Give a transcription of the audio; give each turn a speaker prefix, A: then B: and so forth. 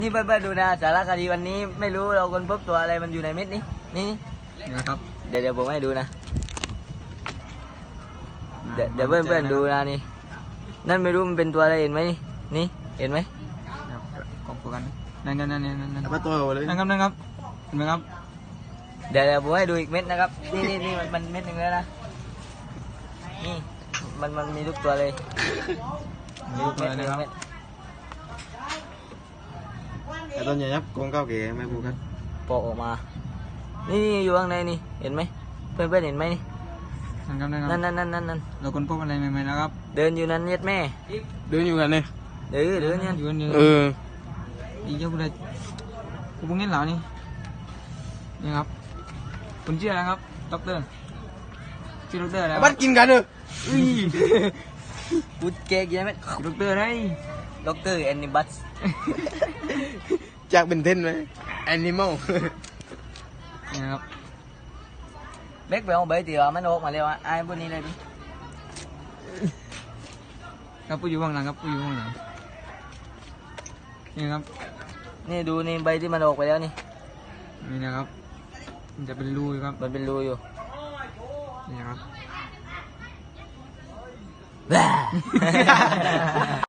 A: นี่เพื่อนๆดูนะสารคดีวันนี้ไม่รู้เราค้นพบตัวอะไรมันอยู่ในเม็ดนี้นี่
B: นะครับ
A: เดี๋ยวผมให้ดูนะเดี๋ยวเพื่อนๆดูนะนี่นั่นไม่รู้มันเป็นตัวอะไรเห็นไหมนี่เห็นไหม
B: กบกันนั่น
C: มาตัวเลย
B: นั่นครับเห็นไหมครับ
A: เดี๋ยวผมให้ดูอีกเม็ดนะครับนี่มันเม็ดหนึ่งแล้วนะนี่มันมีทุกตัวเลยมีทุกเม็ดมีทุกเม็ด
C: ไอ้ตัวใหญ่ยับโกงเก้าเก๋ไม่พูดกัน
A: โปะออกมานี่อยู่ข้างในนี่เห็นไหมเพื่อนๆเห็นไหมนี่
B: นั่น
A: นั่น
B: เราคนพบอะไรใหม่ๆนะครับ
A: เดินอยู่นั่นเย็ดแม่
C: เดินอยู่กันเนี่ย
A: เดินเนี่ย
B: อยู่
C: เออ
B: อีเจ้าอะไรกูพวกนี้เหล่านี่นี่ครับคุณชื่ออะไรครับด็อกเตอร์ชื่อด็อกเตอร์อะไร
C: บ้านกินกันเนอะ
B: อุ้ย
A: พูดเก๊กยังไหม
B: ด็อกเตอร์อะไร
A: ด็อกเตอร์แอนนิบัส
C: จากเป็นเทนไหมแอนิมอล
B: นี่ครับ
A: เบ็กไปเอาใบเตี๋ยวมันออกมาเร็วอ่ะไอ้พวกนี้เลยดิ
B: ครับผู้อยู่ข้างหลังครับผู้อยู่ข้างหลังนี่ครับ
A: นี่ดูนี่ใบที่มันออกไปแล้วนี่
B: นี่นะครับมันจะเป็นรูอยู่ครับ
A: มันเป็นรูอยู่
B: นี่นะครับ
A: แ